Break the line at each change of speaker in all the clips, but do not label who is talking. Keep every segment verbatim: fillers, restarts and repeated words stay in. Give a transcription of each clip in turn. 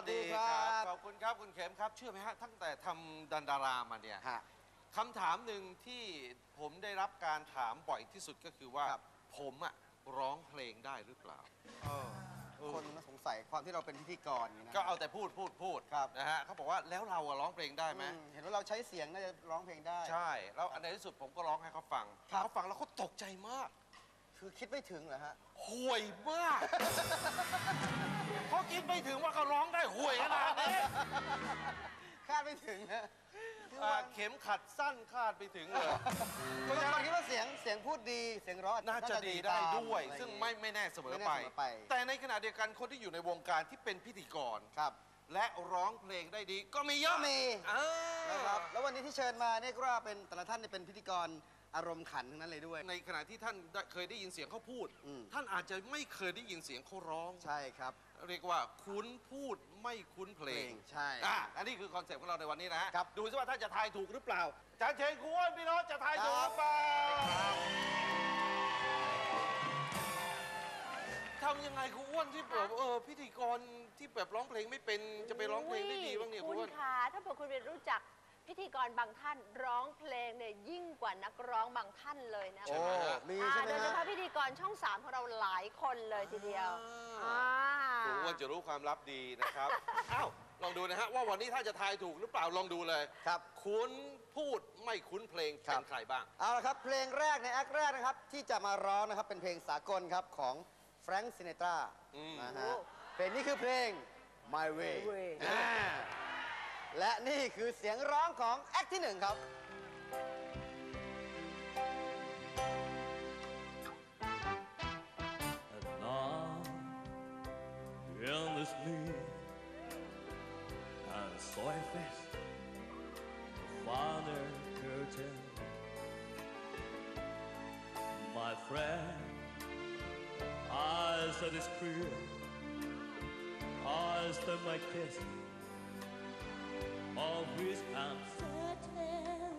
ดีครับขอบคุณครับคุณเข็มครับเชื่อไหมฮะตั้งแต่ทำดันดารามาเนี่ยคำถามหนึ่งที่ผมได้รับการถามบ่อยที่สุดก็คือว่าผมอะร้องเพลงได้หรือเปล่า
คนสงสัยความที่เราเป็นพิธีกรนะ
ก็เอาแต่พูดพูดพูดนะฮะเขาบอกว่าแล้วเราร้องเพลงได้ไหม
เห็นว่าเราใช้เสียงน่าจะร้องเพลงได้
ใช่แล้วในที่สุดผมก็ร้องให้เขาฟังเขาฟังแล้วเขาตกใจมาก
คือคิดไม่ถึงเหรอฮะ
ห่วยมากเขาคิดไม่ถึงว่าเขาร้องได้ห่วยขนาดนี้
คาดไม่ถึงนะ
เข็มขัดสั้นคาดไปถึงเลย
คุณจะคิดว่าเสียงเสียงพูดดีเสียงร้อง
น่าจะดีได้ด้วยซึ่งไม่ไม่แน่เสมอไปแต่ในขณะเดียวกันคนที่อยู่ในวงการที่เป็นพิธีกร
ครับ
และร้องเพลงได้ดีก็มีเยอะ
มีนะครับแล้ววันนี้ที่เชิญมาเนี่ยก็ว่าเป็นแต่ละท่านเป็นพิธีกรอารมณ์ขันทั้งนั้นเลยด้วย
ในขณะที่ท่านเคยได้ยินเสียงเขาพูดท่านอาจจะไม่เคยได้ยินเสียงเขาร้อง
ใช่ครับ
เรียกว่าคุ้นพูดไม่คุ้นเพลง
ใช่
อ่ะอันนี้คือคอนเซ็ปต์ของเราในวันนี้นะฮะดูซิว่าท่านจะทายถูกหรือเปล่าจารย์เชนคุณอ้วนพี่น้องจะทายถูกหรือเปล่าทำยังไงคุณอ้วนที่แบบเออพิธีกรที่แบบร้องเพลงไม่เป็นจะไปร้องเพลงได้ดีบ้างเนี่ยคุณอ้วน
คะถ้าเผื่อคุณเป็นรู้จักพิธีกรบางท่านร้องเพลงเนี่ยยิ่งกว่านักร้องบางท่านเลยนะ
ใช่ไหม
มีใช่ไหม
โดยเฉพาะพิธีกรช่องสามของเราหลายคนเลยทีเดียว
คุณอ้วนจะรู้ความลับดีนะครับอ้าวลองดูนะฮะว่าวันนี้ถ้าจะทายถูกหรือเปล่าลองดูเลย
ครับ
คุ้นพูดไม่คุ้นเพลงเป็นใครบ้าง
เอาละครับเพลงแรกในแอคแรกนะครับที่จะมาร้องนะครับเป็นเพลงสากลครับของแฟรงค์ซินเนตรานะฮะเพลงนี้คือเพลง My Way และนี่คือเสียงร้องของแอคที่หนึ่งครับ
And now endlessly and so I face the final curtain my friend I said it's clear I said my kiss of which I'm certain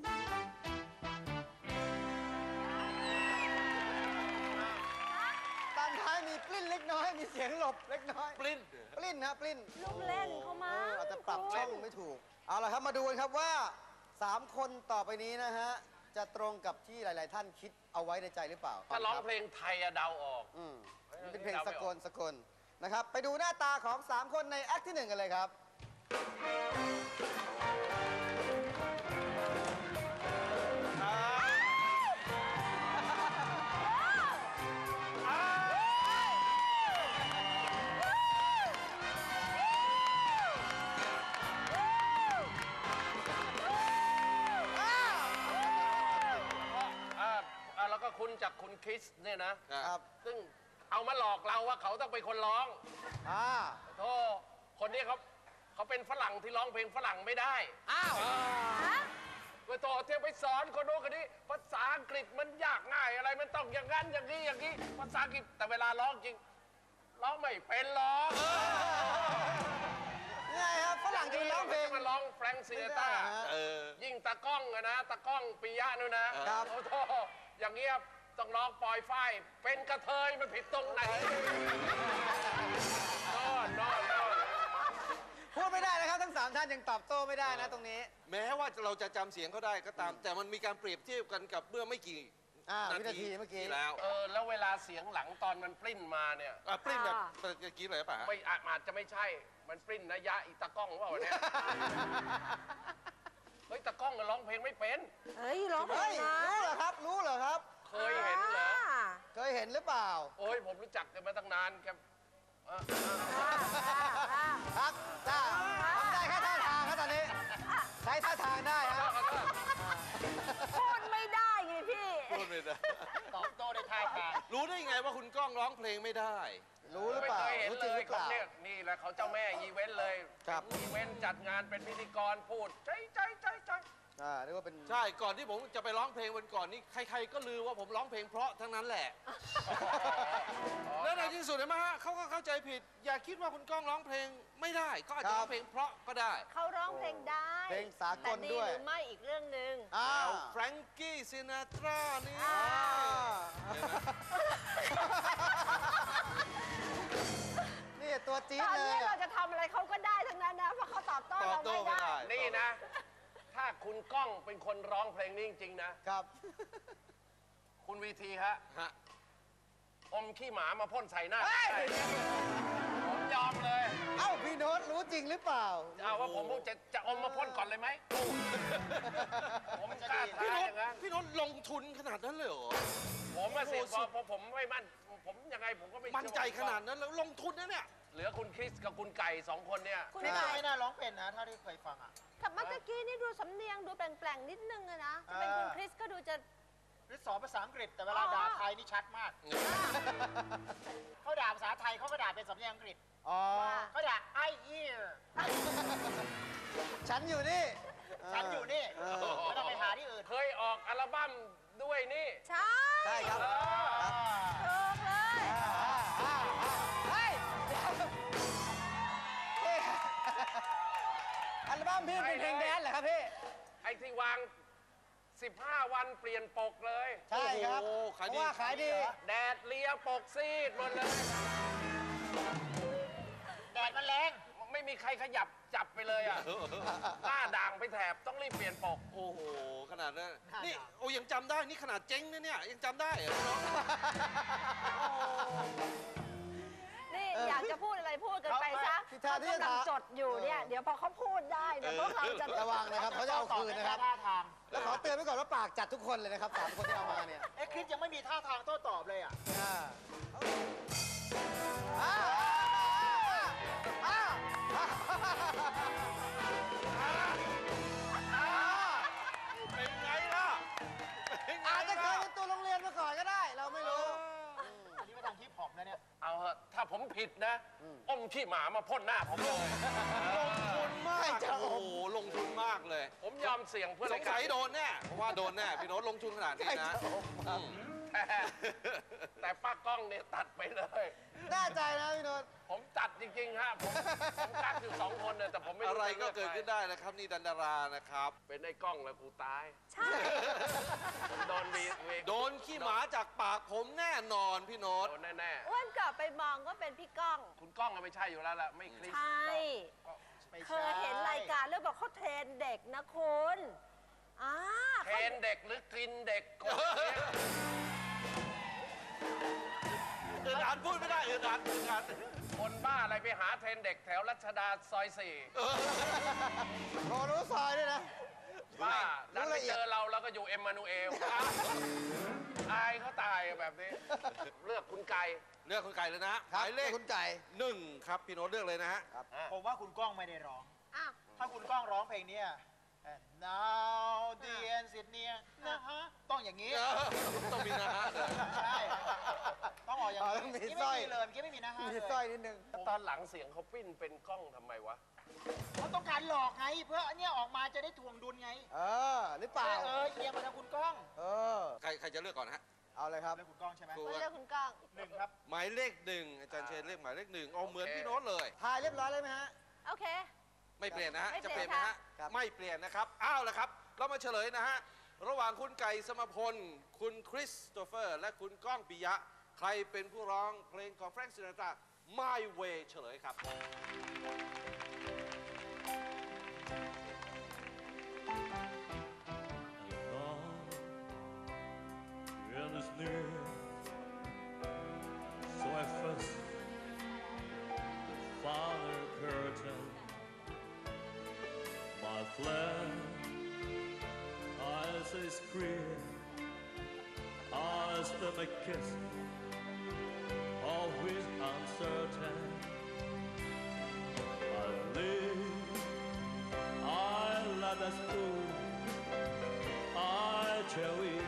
ตอนท้ายมีปลิ้นเล็กน้อยมีเสียงหลบเล็กน้อย
ปลิ้น
ปลิ้นนะปลิ้น
ลูกเล่นเขามา
อาจจะปรับช่องไม่ถูกเอาละครับมาดูกันครับว่าสามคนต่อไปนี้นะฮะจะตรงกับที่หลายๆท่านคิดเอาไว้ในใจหรือเปล่า
ถ้าร้องเพลงไทยอะเดาออก
อืมนี่เป็นเพลงสกลสกลนะครับไปดูหน้าตาของสามคนในแอคที่หนึ่งกันเลยครับ
แล้วก็คุณจากคุณคริสเนี่ยนะครับซึ่งเอามาหลอกเราว่าเขาต้องเป็นคนร้อง
อ่า
โธ่คนนี้เขาเขาเป็นฝรั่งที่ร้องเพลงฝรั่งไม่ได้
อ้าว
ไปโตเที่ยวไปสอนคนโน้นคนนี้ภาษาอังกฤษมันยากง่ายอะไรมันต้องอย่างนั้นอย่างนี้อย่างนี้ภาษาอังกฤษแต่เวลาร้องจริงร้องไม่เป็นร้อง
ไงครับฝรั่งจะร้องเพลง
มันร้องแฟรงค์ซินเนตรายิ่งตากล้องนะตากล้องปิยะนู่นนะโอ้โหอย่างเงี้ยต้องร้องปล่อยไฟเป็นกระเทยมันผิดตรงไหนนอนนอนนอน
พูดไม่ได้นะครับทั้งสามท่านยังตอบโต้ไม่ได้นะตรงนี้
แม้ว่าเราจะจำเสียงเขาได้ก็ตามแต่มันมีการเปรียบเทียบกันกับเมื่อไม่กี่
วินาทีเมื่อกี้
แล้ว
เออแล้วเวลาเสียงหลังตอนมันปริ้นมาเนี่ย
ปริ้นแบบเมื่อกี้เลยป่ะ
ไม่อาจจะไม่ใช่มันปริ้นนะยะอีตากล้องว่าวันนี้เฮ้ยตากล้องมันร้องเพลงไม่เป็น
เฮ้ยร้องเพลงนะ
รู้เหรอครับรู้เหรอครับ
เคยเห็นเหรอ
เคยเห็นหรือเปล่า
โอ้ยผมรู้จักกันมาตั้งนานแก
ครับจ้าทำได้แค่ท่าทางครับตอนนี้ใช้ท่าทางได้ครับ
พูดไม่ได้ไงพี่
พูดไม่ได้
ตอบโต้ได้ท่าทาง
รู้ได้ไงว่าคุณก้องร้องเพลงไม่ได้
รู้หรือเปล่า
รู้จริงหรือเปล่านี่แหละเขาเจ้าแม่อีเวนต์เลยอีเวนต์จัดงานเป็นพิธีกรพูดใจใจใจใจ
อ่าเรียกว่าเป็น
ใช่ก่อนที่ผมจะไปร้องเพลงวันก่อนนี้ใครๆก็ลือว่าผมร้องเพลงเพราะทั้งนั้นแหละแล้วในที่สุดเห็นไหมฮะเขาก็เข้าใจผิดอย่าคิดว่าคุณก้องร้องเพลงไม่ได้ก็อาจจะร้องเพลงเพราะก็ได้
เขาร้องเพลงได้
เพลงสากลด้วย
หรือไม่อีกเรื่องหนึ่ง
อ้าวแฟรงกี้ซินาตรานี่
นี่ตัวจี๊ดเลย
ตอนนี้เราจะทำอะไรเขาก็
ก้องเป็นคนร้องเพลงนี้จริงๆนะ
ครับ
คุณวีทีฮะ
ฮะ
อมขี้หมามาพ่นใส่หน้าผมยอมเลย
เอ้าพี่โน้ตรู้จริงหรือเปล่า
เอาว่าผมจะจะอมมาพ่นก่อนเลยไหมผมกล้าท้า
พี่โน้
อ
ต
ย่างนั้น
พี่โน้ตลงทุนขนาดนั้นเลยเหรอ
ผมมาเสีย
โอ้โห
พอพอผมไม่มั่นผมยังไงผมก็ไม่
มั่นใจขนาดนั้นแล้วลงทุนนะเนี่ย
เหลือคุณคริสกับคุณไก่สองคนเนี่ย
คุณ
ไม่
ไก่
น่า
ไม่น่าร้องเป็นนะเท่าที่เคยฟังอ่ะ
แต่เมื่อกี้นี่ดูสำเนียงดูแปลงๆนิดนึงอะนะจะเป็นคุณคริสก็ดูจะ
หรือสอนภาษาอังกฤษแต่เวลา
อ๋อ
ด่าไทยนี่ชัดมาก เขาด่าภาษาไทยเขาก็ด่าเป็นสำเนียงอังกฤษ
อ๋อ
ว่า
เขาด่า I hear
ฉันอยู่นี่
ฉันอยู่นี่
เออ
ไม่ต้องไปหาที่อื่น
เคยออกอัลบั้มด้วยนี่
ใช่
ใช่ครับ
ถูกเลย
เฮ้ยเฮ้ยอัลบั้มพี่เป็นเพลงแดนซ์เหรอครับพี่
ไอ้ที่วาง สิบห้า วันเปลี่ยนปกเลย
ใช่ครับ
โอ้โห
เพ
ขายดี
ราะว่าขายดี
แดดเลียปกซีดหมดเลย
แดดมันแรง
ไม่มีใครขยับจับไปเลยอ่ะ หน้าด่างไปแถบต้องรีบเปลี่ยนปก
โอ้โห ขนาดนั้น นี่ โอ้ยังจำได้ นี่ขนาดเจ๊งนะเนี่ย ยังจำได้เหรอพี่โน้ต
นี่อยากจะพูดอะไรพูดกันไปซะ
ที่ท่า
เขา
ที่
กำลัง
จะ
จดอยู่เนี่ย เดี๋ยวพอเขาพูดได้เดี๋ยวพวกเราจะ
ระวังนะครับเขาจะเอาคืนนะครับ
ท่าทาง
แล้วขอเตือนไว้ก่อนว่าปากจัดทุกคนเลยนะครับสามคนที่เอามาเนี่ย
เอ๊ะคริสยังไม่มีท่าทางโต้ตอบเลยอ่ะ
อ่าอ่าอ่าอ่า
เป็นไงล่ะเป็นไง
อาจจะเคย
ล่ะ
เป็นตัวโรงเรียนมาก่อนก็ได้ เราไม่รู้
อันนี้มาทางฮิปฮอปนะเนี่ย
เอาเหอะถ้าผมผิดนะอมขี้หมามาพ่นหน้าผมเลย
ลงทุนมาก
ใครจะอม
โอ้โห ลงทุนมากเลย
ผมยอมเสี่ยงเพื่อ
สงสัยโดนแน่ เพราะว่าโดนแน่ พี่โน้ตลงทุนขนาดนี้นะอืม
แต่แต่ป้ากล้องเนี่ยตัดไปเลย
แน่ใจนะพี่โนนท์
ผมตัดจริงๆฮะผมผมกักอยู่สองคนเนี่ยแต่ผมไม่
อะไรก็
จ
เกิดขึ้น
ใคร
ได้นะครับ นี่ดันดารานะครับ
เป็นไอ้กล้องแล้วกูตาย
ใช่
ผมโดนวีวี
โดนขี้หมาจากปากผมแน่นอนพี่โน้ต
โดนแน่
อ้วนกลับไปมองก็เป็นพี่ก้อง
ๆคุณกล้องก็ไม่ใช่อยู่แล้วล่ะไม่คลิป
ใช่
ไม่
เค
ใช่
ยเห็นรายการเรื่องบอกเขาเทรนเด็กนะคุณอ่า
เทรนเด็กหรือกินเด็กกดเนี่ย
อึดอัดพูดไม่ได้อึดอัดอึดอัด
คนบ้าอะไรไปหาเทรนเด็กแถวรัชดาซอยสี่
โอ้รู้ซอยด้วยนะ
บ้าดัน
รู้
ไป
ละเอียด
เจอเราแล้วก็อยู่เอ็มมานูเอลอายเขาตายแบบนี้ เลือกคุณไก่
เลือกคุณไก่เลยนะห
ครับ
มายเลข
คุณไก่
หนึ่งครับพี่โน้ตเลือกเลยนะฮะ
ผมว่าคุณก้องไม่ได้ร้อง
อ้าว
ถ้าคุณก้องร้องเพลงเนี้ย And now the end is near นะฮะ ต้องอย่างนี้
เออต้องมีนะฮะเลย
ใช่ ต้องออกอย่าง
อ๋อ
นี้
ต้องมี
นี่
สร้
ไม่
อย
มีเลยเมื่อกี้ไม่มีนะฮะ
มี
เลย
สร้อยนิดนึง
ตอนหลังเสียงเขาปิ้นเป็นกล้องทำไมวะ
เขาต้องการหลอกไง เพื่ออันเนี้ยออกมาจะได้ถ่วงดุลไง
เออ หรือเปล่า
เออเอียงมาทางคุณก้อง
เออ
ใครใครจะเลือกก่อนฮะ
เอาเลยครับ
แล้วคุณก้องใช่ไหม
ครู
อ้วนเลือกคุณก้อง
หนึ่งครับ
หมายเลขหนึ่งอาจารย์เชนเลือกหมายเลขหนึ่งเอาเหมือน
โอเค
พี่โน้ตเลย
ทายเรียบร้อยเลยไหมฮะ
โอเค
ไม่เปลี่ยนนะฮะ
ไม่
จะ
เป
เป
ลี่
ลี่
ย
ยน
น
ไหมฮะ
ครับ
ไม่เปลี่ยนนะครับอ้าวแล้วครับ เรามาเฉลยนะฮะ ระหว่างคุณไก่สมพล คุณคริสโตเฟอร์ และคุณก้องปิยะ ใครเป็นผู้ร้องเพลงของแฟรงค์ซินาตรา My Way เฉลยครับ
And is near, so I first found a curtain. My flame, eyes is clear, eyes that my kiss, always uncertain. I live, I let us go, I cherish.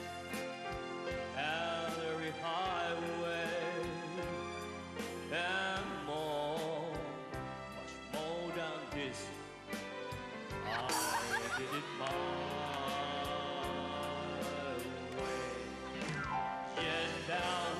And every highway and more, much more than this, I did it my way. Yet down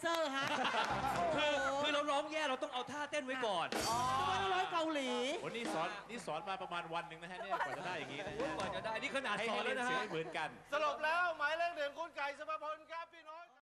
อร์ฮะ
คือคือเราร้องแย่เราต้องเอาท่าเต้นไว้ก่อน
อ๋อร้อยเกาหลี
วันนี้สอนนี่สอนมาประมาณวันหนึ่งนะฮะเนี่ยกว่าจะได้อย่างนี้นะฮะ
ก่อนจะได้ นี่ขนาด
ให้
สอ
ให้
น
เรี
แล้
ยน
วนะ
เสียง
ฮะ
ให้เหมือนกัน
สรุปแล้วหมายเลขหนึ่งคุณไก่สุภพลครับ